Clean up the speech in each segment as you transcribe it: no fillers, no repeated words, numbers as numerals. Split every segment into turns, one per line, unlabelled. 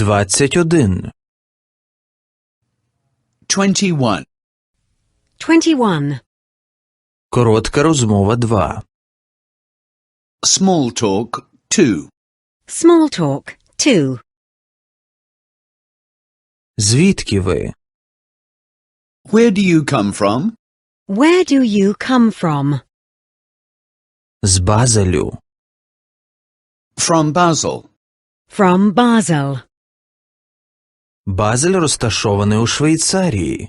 21.
21.
21.
Коротка розмова 2.
Small talk 2.
Small talk 2.
Звідки ви?
Where do you come from?
Where do you come from?
З Базелю.
From Basel.
From Basel.
Базель розташований у Швейцарії.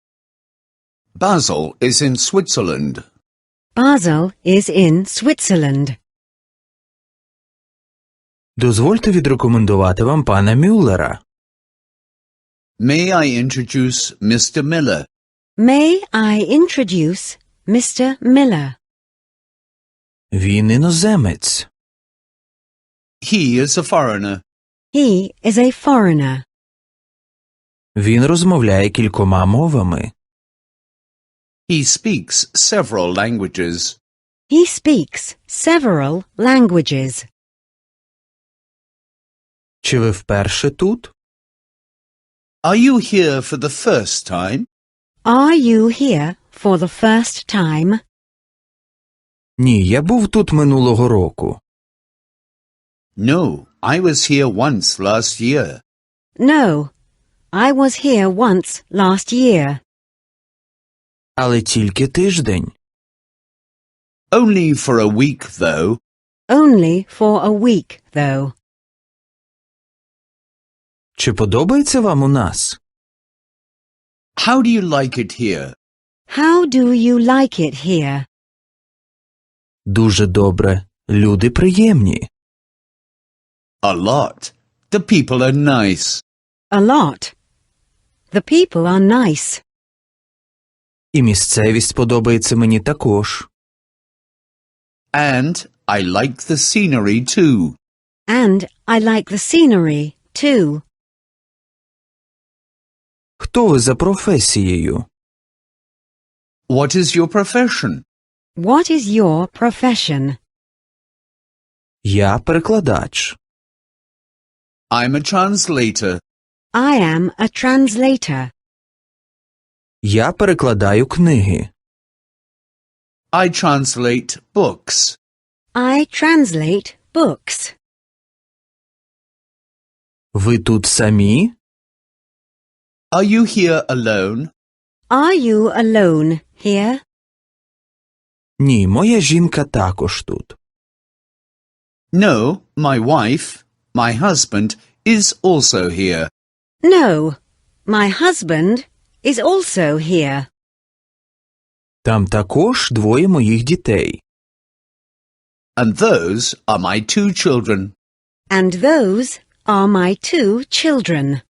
Basel is in Switzerland.
Basel is in Switzerland.
Дозвольте відрекомендувати вам пана Мюллера.
May I introduce Mr. Miller?
May I introduce Mr. Miller?
Він іноземець.
He is a foreigner.
He is a foreigner.
Він розмовляє кількома мовами.
He speaks several languages.
He speaks several languages.
Чи ви вперше тут?
Are you here for the first time?
Are you here for the first time?
Ні, я був тут минулого року.
No, I was here once last year.
No, I was here once last year.
Але тільки тиждень.
Only for a week, though.
Only for a week, though.
Чи подобається вам у нас?
How do you like it here?
How do you like it here?
Дуже добре. Люди приємні.
A lot. The people are nice.
A lot. The people are nice.
І місцевість подобається мені також.
And I like the scenery too.
And I like the scenery, too.
Хто ви за професією?
What is your profession?
What is your profession?
Я перекладач.
I'm a translator.
I am a translator.
Я перекладаю книги.
I translate books.
I translate books.
Ви тут самі?
Are you here alone?
Are you alone here?
Ні, моя жінка також тут.
No, my wife, my husband, is also here.
No, my husband is also here.
Там також двоє моїх дітей.
And those are my 2 children.
And those are my 2 children.